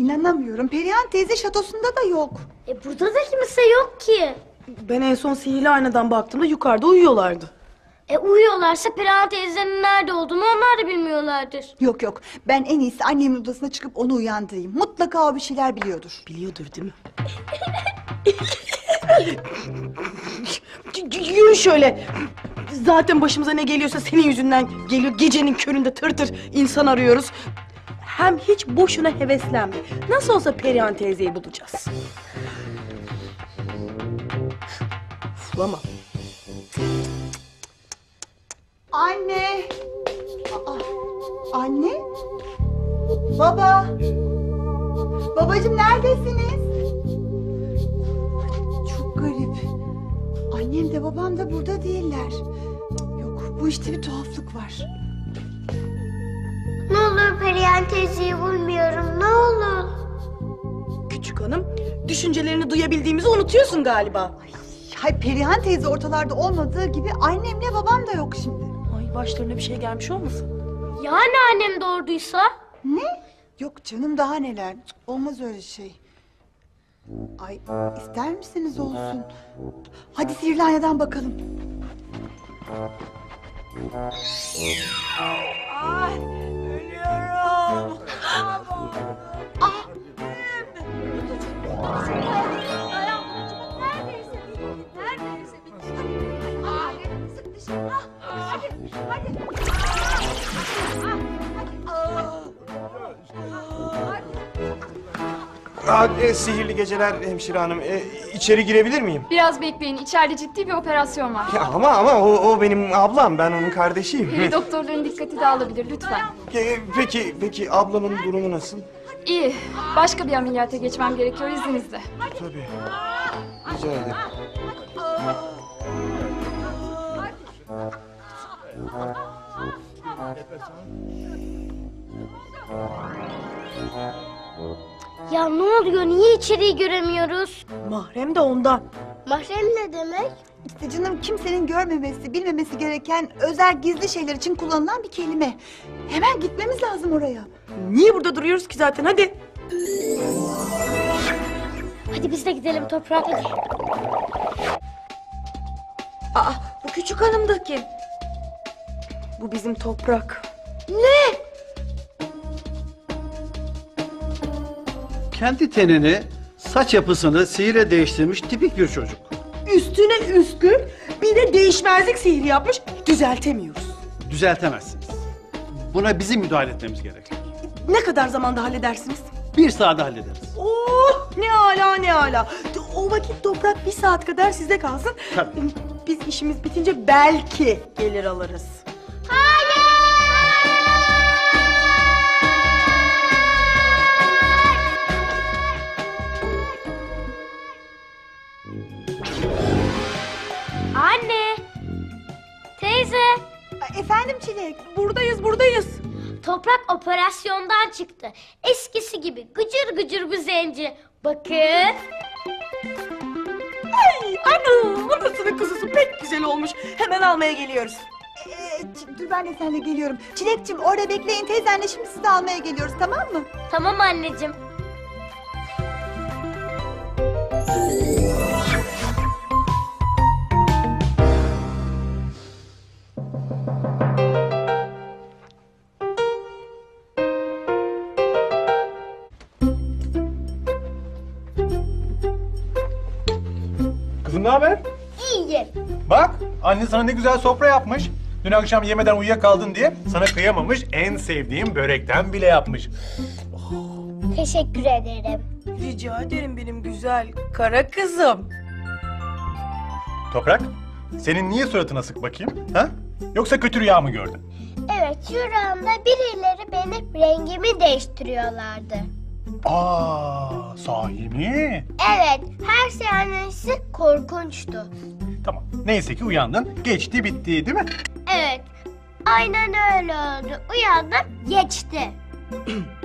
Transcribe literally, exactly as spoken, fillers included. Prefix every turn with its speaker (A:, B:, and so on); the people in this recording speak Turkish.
A: İnanamıyorum. Perihan teyze şatosunda da yok.
B: E burada da kimse yok ki.
C: Ben en son sihirli aynadan baktığımda yukarıda uyuyorlardı.
B: E uyuyorlarsa Perihan teyzenin nerede olduğunu onlar da bilmiyorlardır.
A: Yok yok. Ben en iyisi annemin odasına çıkıp onu uyandırayım. Mutlaka o bir şeyler biliyordur.
C: Biliyordur değil mi? Yürü şöyle. Zaten başımıza ne geliyorsa senin yüzünden geliyor. Gecenin köründe tır tır insan arıyoruz. Hem hiç boşuna heveslenme. Nasıl olsa Perihan teyzeyi bulacağız. Uflama.
A: Anne! Aa, anne? Baba! Babacığım neredesiniz? Çok garip. Annem de babam da burada değiller. Yok, bu işte bir tuhaflık var.
B: Ne olur Perihan teyzeyi bulmuyorum, ne olur.
C: Küçük hanım, düşüncelerini duyabildiğimizi unutuyorsun galiba.
A: Hay Perihan teyze ortalarda olmadığı gibi annemle babam da yok şimdi.
C: Ay başlarına bir şey gelmiş olmasın?
B: Yani annem doğurduysa?
A: Ne? Yok canım daha neler. Cık, olmaz öyle şey. Ay ister misiniz olsun? Hadi sihirli aynadan bakalım. Ay ölüyorum. Ah.
D: Aa, e, sihirli geceler hemşire hanım. E, içeri girebilir miyim?
E: Biraz bekleyin. İçeride ciddi bir operasyon var.
D: Ya ama ama o, o benim ablam. Ben onun kardeşiyim.
E: Peri doktorların dikkati dağılabilir lütfen.
D: E, peki peki ablamın durumu nasıl?
E: İyi. Başka bir ameliyata geçmem gerekiyor izninizle.
D: Tabii. Rica ederim.
B: Ya ne oluyor, niye içeriği göremiyoruz?
C: Mahrem de ondan.
B: Mahrem ne demek?
A: İşte canım kimsenin görmemesi, bilmemesi gereken özel gizli şeyler için kullanılan bir kelime. Hemen gitmemiz lazım oraya.
C: Niye burada duruyoruz ki zaten? Hadi.
B: Hadi biz de gidelim Toprak. Hadi.
C: Aa, bu küçük hanım da kim? Bu bizim Toprak.
F: Kendi tenini, saç yapısını sihirle değiştirmiş tipik bir çocuk.
C: Üstüne üstlük bir de değişmezlik sihri yapmış. Düzeltemiyoruz.
F: Düzeltemezsiniz. Buna bizim müdahale etmemiz gerekir.
C: Ne kadar zamanda halledersiniz?
F: Bir saatte hallederiz.
C: Oh, ne ala ne ala. O vakit Toprak bir saat kadar sizde kalsın.
F: Tabii.
C: Biz işimiz bitince belki gelir alırız.
B: Anne! Teyze!
A: Ay, efendim Çilek.
C: Buradayız, buradayız.
B: Toprak operasyondan çıktı. Eskisi gibi gıcır gıcır bir zenci. Bakın.
C: Ay, anam, anasının kuzusu pek güzel olmuş. Hemen almaya geliyoruz.
A: Ee, Ç- dur ben de seninle geliyorum. Çilekciğim orada bekleyin teyzenle şimdi sizi almaya geliyoruz tamam mı?
B: Tamam anneciğim.
G: Kızım ne haber?
B: İyi.
G: Bak, anne sana ne güzel sofra yapmış. Dün akşam yemeden uyuyakaldın diye sana kıyamamış, en sevdiğim börekten bile yapmış.
B: Teşekkür ederim.
C: Rica ederim benim güzel kara kızım.
G: Toprak, senin niye suratın asık bakayım? Ha? Yoksa kötü rüya mı gördün?
B: Evet, şuramda birileri benim rengimi değiştiriyorlardı.
G: Aa, sahi mi?
B: Evet, her seansı korkunçtu.
G: Tamam, neyse ki uyandın, geçti bitti değil mi?
B: Evet, aynen öyle oldu. Uyandım, geçti.